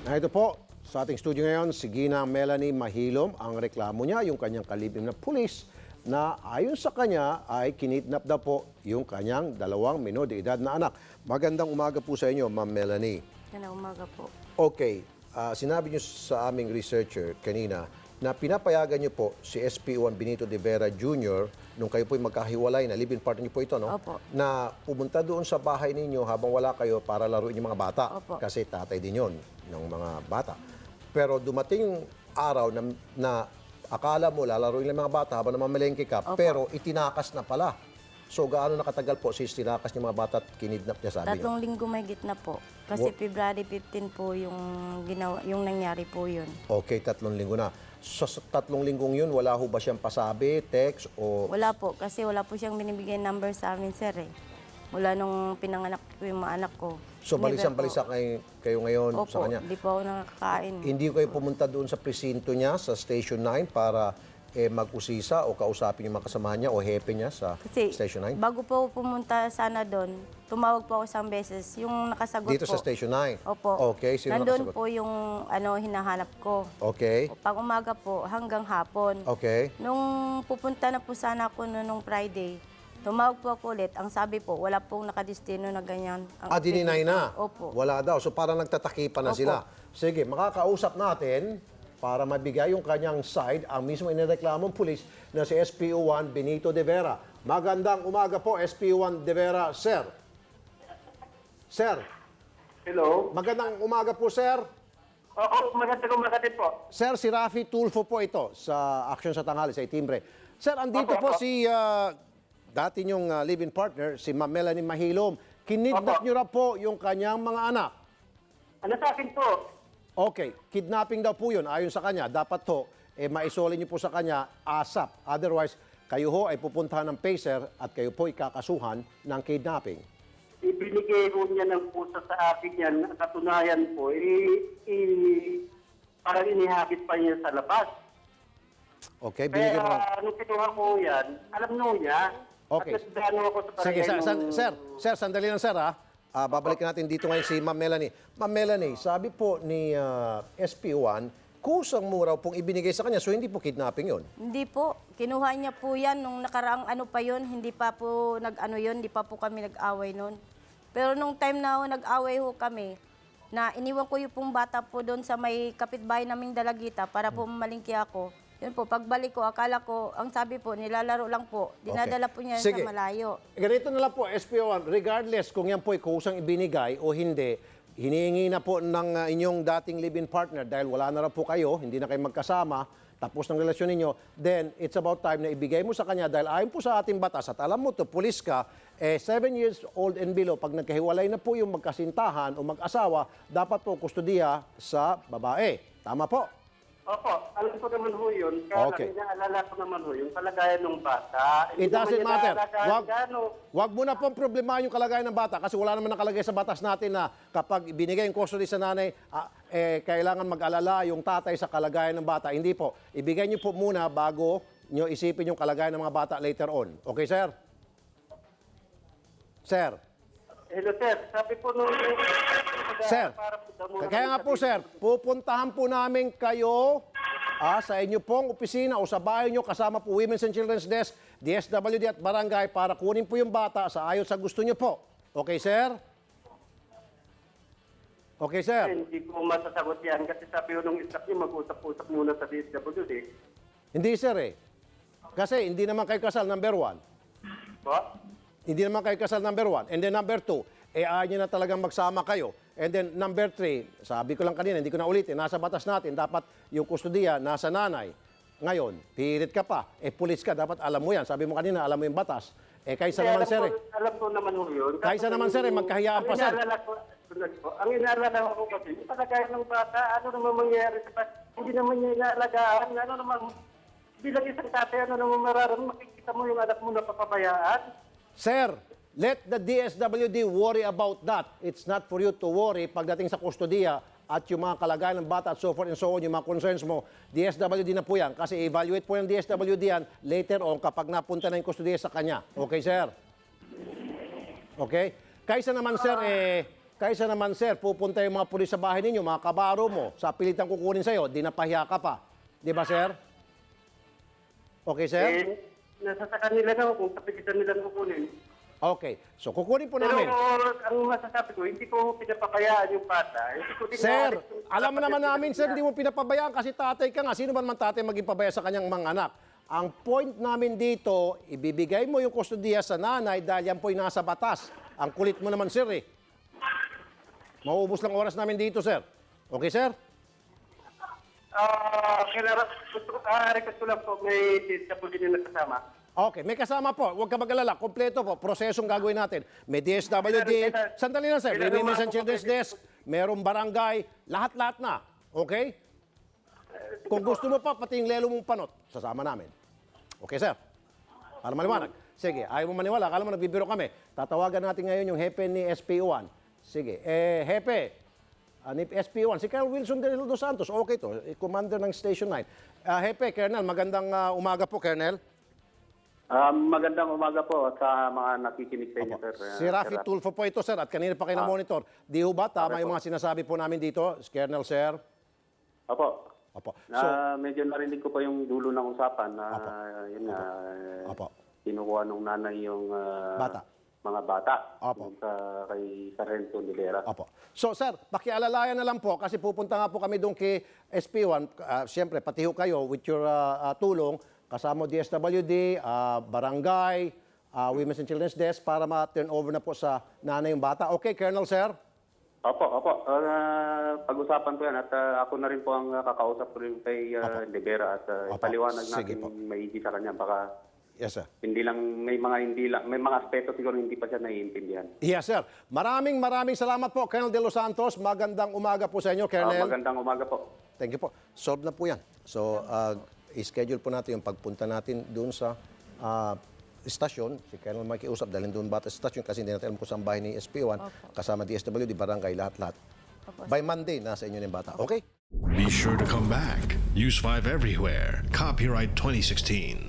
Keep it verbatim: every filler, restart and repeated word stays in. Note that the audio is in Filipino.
Na ito po, sa ating studio ngayon, si Ginang Melanie Mahilom. Ang reklamo niya, yung kanyang kalibim na pulis na ayon sa kanya ay kinidnap daw po yung kanyang dalawang minor de edad na anak. Magandang umaga po sa inyo, Ma'am Melanie. Magandang umaga po. Okay, ah, sinabi niyo sa aming researcher kanina na pinapayagan niyo po si S P O one Benito de Vera Junior nung kayo po'y magkahiwalay na live-in partner niyo po ito, no? Opo. Na pumunta doon sa bahay ninyo habang wala kayo para laruin yung mga bata. Opo. Kasi tatay din yon ng mga bata. Pero dumating yung araw na, na akala mo lalaruin lang mga bata habang namamalengke ka, Opo. pero itinakas na pala. So gaano nakatagal po since tinakas yung mga bata at kinidnap niya, sabi niyo? Tatlong linggo may gitna po. Kasi Wo- February fifteen po yung, ginawa, yung nangyari po yun. Okay, tatlong linggo na. So, sa tatlong linggong yun, wala ho ba siyang pasabi, text, o... Wala po, kasi wala po siyang binibigay number sa amin, sir eh. Mula nung pinanganak ko yung mga anak ko. So, Never balisang-balisa po. kayo, kayo ngayon Opo, sa kanya. di po ako nakakain. Hindi ko kayo pumunta doon sa presinto niya, sa Station nine, para eh, mag-usisa o kausapin yung mga kasamahan niya o hepe niya sa Kasi Station nine? bago po ako pumunta sana doon, tumawag po ako isang beses. Yung nakasagot Dito po. sa Station nine? Opo. Okay, sino Nandun nakasagot? po yung ano, hinahanap ko. Okay, Pag umaga po, hanggang hapon. okay. Nung pupunta na po sana ako no, nung Friday, tumawag po ako ulit. Ang sabi po, wala pong nakadestino na ganyan. Ang Ah, dininay na? Opo. Wala daw. So, parang nagtatakipan na Opo. sila. Sige, makakausap natin para mabigay yung kanyang side ang mismo inireklamong pulis na si S P O one Benito de Vera. Magandang umaga po, S P O one de Vera, sir. Sir, Hello? magandang umaga po, sir. Oo, magandang umaga din po. Sir, si Rafi Tulfo po ito sa Action sa Tanghali, sa Itimbre. Sir, andito po Opo, opo. si ah, dati niyong ah, live-in partner, si Ma'am Melanie Mahilom. Kinidnap Opo. niyo na po yung kanyang mga anak. Ano sa akin po? Okay, kidnapping daw po yun. Ayon sa kanya, dapat to, eh, maisoli niyo po sa kanya ASAP. Otherwise, kayo ho ay pupuntahan ng PACER at kayo po ikakasuhan ng kidnapping. Ibinigay ko niya ng pusa sa akin yan. Katunayan po, i, i, parang inihagis pa niya sa labas. Okay, Kaya binigyan mo. nung kinuha ko yan, alam nyo niya. Okay. At nagdano ako sa Sige, sir, barangay san- nung- sir, sir, sandali lang, sir, ha? Ah, babalikan natin dito ngayon si Ma'am Melanie. Ma'am Melanie, sabi po ni ah, S P O one, kusang mo raw pong ibinigay sa kanya, so hindi po kidnapping yun. Hindi po. Kinuha niya po yan nung nakaraang ano pa yun. Hindi pa po nag-ano yun. Hindi pa po kami nag-away noon. Pero nung time na ho, nag-away ho kami, na iniwan ko yung pong bata po doon sa may kapitbahay naming Dalagita para po malingki ako. Yun po, pagbalik ko, akala ko, ang sabi po, nilalaro lang po. Dinadala po niya Sige. sa malayo. Ganito na lang po, S P O one, regardless kung yan po ay kusang ibinigay o hindi, hinihingi na po ng ah, inyong dating live-in partner dahil wala na raw po kayo, hindi na kayo magkasama, tapos ng relasyon ninyo, then it's about time na ibigay mo sa kanya dahil ayon po sa ating batas at alam mo to, pulis ka, eh seven years old and below, pag nagkahiwalay na po yung magkasintahan o mag-asawa, dapat po kustudiya sa babae. Tama po? Opo, alam ko naman ho yun. Kaya Okay. okay. inaalala ko naman ho yung kalagayan ng bata. It Hindi naman doesn't niya matter. naalagaan Wag, gaano. wag mo na pong problemahin yung kalagayan ng bata kasi wala naman nakalagay sa batas natin na kapag binigay yung custody sa nanay, ah, eh, kailangan mag-alala yung tatay sa kalagayan ng bata. Hindi po. Ibigay niyo po muna bago niyo isipin yung kalagayan ng mga bata later on. Okay, sir? Sir? Hello, sir. Sabi po nung... Sir, para po daw muna kaya nga kami po, sa- sir, pupuntahan po namin kayo ah, sa inyo pong opisina o sa bahay nyo kasama po Women's and Children's Desk, D S W D at Barangay para kunin po yung bata sa ayon sa gusto nyo po. Okay, sir? Okay, sir? Hindi ko masasagot yan kasi sabi ko nung staff niyo mag-usap-usap muna sa D S W D. Hindi, sir eh. Kasi hindi naman kayo kasal, number one. Po? Hindi naman kayo kasal, number one. And then number two, eh ayaw nyo na talagang magsama kayo. And then number three, sabi ko lang kanina, hindi ko na ulitin, nasa batas natin, dapat yung kustudiya nasa nanay. Ngayon, pilit ka pa, eh pulis ka, dapat alam mo yan. Sabi mo kanina, alam mo yung batas. Eh kaysa Kaya naman, alam sir ko, eh. alam ko naman ho yun. Kaysa Kaso naman, sir, eh, yung- magkahiyaan pa, ang sir. inaalala ko, tulad ko, ang inaalala ko kasi, yung palagayan ng bata, ano naman mangyayari sa bata, hindi naman niya inaalagaan, ano naman, bilang isang tatay, ano naman mararamdaman, makikita mo yung anak mo na papabayaan. Sir, let the D S W D worry about that. It's not for you to worry pagdating sa kustudiya at yung mga kalagayan ng bata at so forth and so on, yung mga concerns mo, D S W D na po yan. Kasi evaluate po yung D S W D yan later on kapag napunta na yung kustudiya sa kanya. Okay, sir? Okay? Kaysa naman, sir, eh, Kaysa naman, sir, pupunta yung mga pulis sa bahay ninyo, mga kabaro mo, sa pilitan kukunin sa'yo, di napahiya ka pa. Di ba, sir? Okay, sir? Eh, nasa sa kanila na kung kapigitan nila kukunin. Okay. So, kukunin po Pero namin. ang masasabi ko, hindi ko pinapabayaan yung bata. Hindi ko Sir, dinaalis yung alam mo naman kapatid namin, nila. sir, hindi mo pinapabayaan kasi tatay ka nga. Sino man man tatay maging pabaya sa kanyang mga anak? Ang point namin dito, ibibigay mo yung kustodiya sa nanay dahil yan po'y nasa batas. Ang kulit mo naman, sir, eh. Mauubos lang oras namin dito, sir. Okay, sir? Ah, kailangan, gusto ko, ah, request ko lang po, may D S W D na kasama. Okay, may kasama po. Huwag ka mag-alala. Kompleto po. Prosesong gagawin natin. May D S W D. Sandali lang, sir. May Women's and Children's Desk. Merong barangay. Lahat-lahat na. Okay? Kung gusto mo pa, pati yung lelo mong panot, sasama namin. Okay, sir? Para maliwanag. Sige, ayaw mo maniwala. Akala mo nagbibiro kami. Tatawagan natin ngayon yung hepe ni S P O one. Sige. Eh, hepe, uh, ni S P O one, si Colonel Wilson de los Santos. Okay to. Eh, Commander ng Station nine. Uh, hepe, Colonel, magandang uh, umaga po, Colonel. Ah, magandang umaga po sa mga nakikinig sa inyo, sir. Si Rafi Tulfo po ito, sir, at kanina pa kayo na-monitor. Di ho ba tama Okay yung po. mga sinasabi po namin dito, Colonel, sir? Opo. Opo. Na So, medyo narinig ko po yung dulo ng usapan na Opo. yun nga, eh, Opo. kinukuha nung nanay yung ah, Bata. mga bata Opo. yung sa kay Sargento Nilera. Opo. So, sir, pakialalayan na lang po kasi pupunta nga po kami doon kay S P one. Uh, Siyempre, pati ho kayo with your uh, uh, tulong, kasama D S W D, uh, barangay, uh, Women's and Children's Desk para ma-turn over na po sa nanay yung bata. Okay, Colonel, sir? Opo, opo. Ah, pag-usapan ko yan at ah, ako na rin po ang ah, kakausap ko rin kay uh, Libera at uh, Opo. ipaliwanag Sige natin po. maigi sa kanya. Baka Yes, sir. hindi lang, may mga hindi lang, may mga aspeto siguro hindi pa siya naiintindihan. Yes, sir. Maraming maraming salamat po, Colonel De Los Santos. Magandang umaga po sa inyo, Ah, Colonel. magandang umaga po. Thank you po. Solve na po yan. So, uh, i-schedule po natin yung pagpunta natin doon sa uh, istasyon. Si Colonel makiusap dahil doon bata sa istasyon kasi hindi natin alam kung saan bahay ni S P one. Kasama D S W D, barangay, lahat-lahat. By Monday, nasa inyo na yung bata. Okay? Be sure to come back. Use five everywhere. Copyright twenty sixteen.